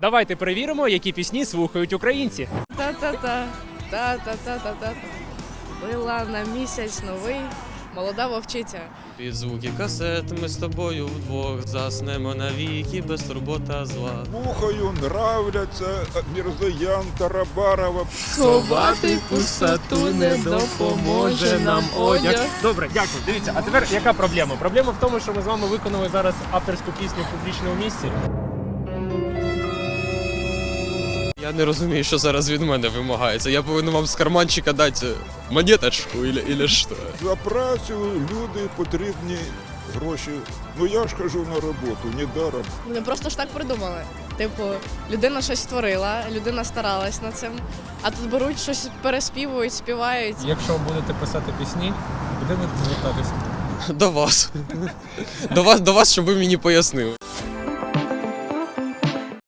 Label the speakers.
Speaker 1: Давайте перевіримо, які пісні слухають українці.
Speaker 2: Та-та-та, та-та-та-та-та. Била на місяць новий, молода вовчиця.
Speaker 3: Під звуки касет ми з тобою вдвох заснемо навіки без турбота зла.
Speaker 4: Слухаю, нравляться Мірзоян, Тарабарова.
Speaker 2: Ховати пустоту не допоможе нам одяг.
Speaker 1: Добре, дякую. Дивіться, а тепер яка проблема? Проблема в тому, що ми з вами виконали зараз авторську пісню в публічному місці.
Speaker 3: Я не розумію, що зараз від мене вимагається. Я повинен вам з карманчика дати монеточку или що?
Speaker 4: За працю люди потрібні гроші. Ну я ж хожу на роботу, не даром.
Speaker 2: Вони просто ж так придумали. Типу, людина щось створила, людина старалась над цим, а тут беруть щось переспівують, співають.
Speaker 1: Якщо будете писати пісні, куди ви звертатися?
Speaker 3: До вас. До вас, щоб ви мені пояснили.